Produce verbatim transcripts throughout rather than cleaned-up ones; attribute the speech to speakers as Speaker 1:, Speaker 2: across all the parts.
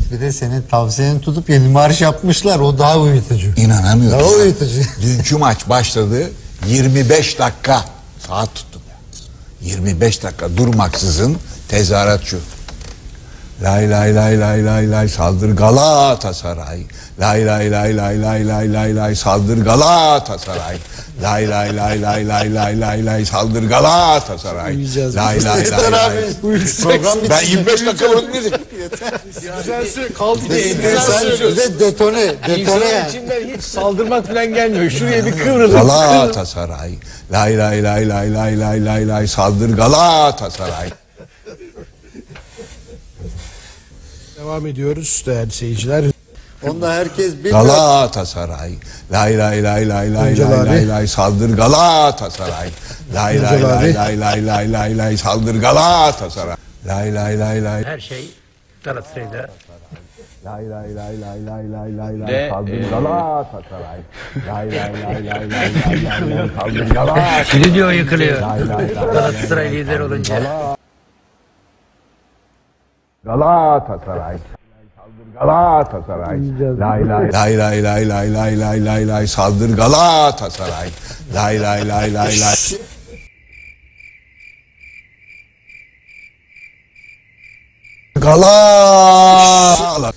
Speaker 1: Bir de senin tavsiyeni tutup yeni marş yapmışlar. O daha uyutucu.
Speaker 2: İnanamıyorum.
Speaker 1: Daha uyutucu.
Speaker 2: Dünkü maç başladı. yirmi beş dakika saat tuttum ya. yirmi beş dakika durmaksızın tezahürat şu. Lay lay lay lay lay lay saldır Galatasaray. Lay lay lay lay lay lay lay lay saldır Galatasaray. Lay lay lay lay lay lay lay lay saldır Galatasaray. Lay lay lay lay. Ben yirmi beş dakika boyunca
Speaker 3: Güzel söyle. Kaldı diye.
Speaker 1: Sen bir de detone. Detone
Speaker 3: İnsanın
Speaker 1: yani.
Speaker 3: içinden hiç saldırmak falan gelmiyor. Şuraya bir kıvrılır.
Speaker 2: Galatasaray. Lay lay lay lay lay lay lay lay saldır Galatasaray.
Speaker 3: Devam ediyoruz değerli seyirciler.
Speaker 1: Onda herkes bir
Speaker 2: Galatasaray. Lay lay lay lay lay
Speaker 3: Öncel
Speaker 2: lay
Speaker 3: abi.
Speaker 2: lay lay saldır Galatasaray. Lay lay
Speaker 3: Öncel
Speaker 2: lay
Speaker 3: abi.
Speaker 2: lay lay lay lay lay saldır Galatasaray. Lay lay lay lay
Speaker 4: Her şey Galatasaray'da.
Speaker 2: lay lay lay lay lay lay lay lay
Speaker 4: Ve,
Speaker 2: saldır
Speaker 4: e,
Speaker 2: Galatasaray. Lay lay lay lay lay lay lay lay saldır Galatasaray.
Speaker 4: Stüdyo yıkılıyor.
Speaker 2: Lay lay lay
Speaker 4: Galatasaray lider olunca.
Speaker 2: Galatasaray. Galatasaray. Lay lay lay lay lay lay lay lay lay lay saldır Galatasaray. Lay lay lay lay lay. Galatasaray.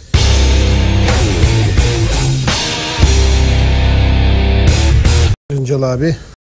Speaker 3: Öncel abi.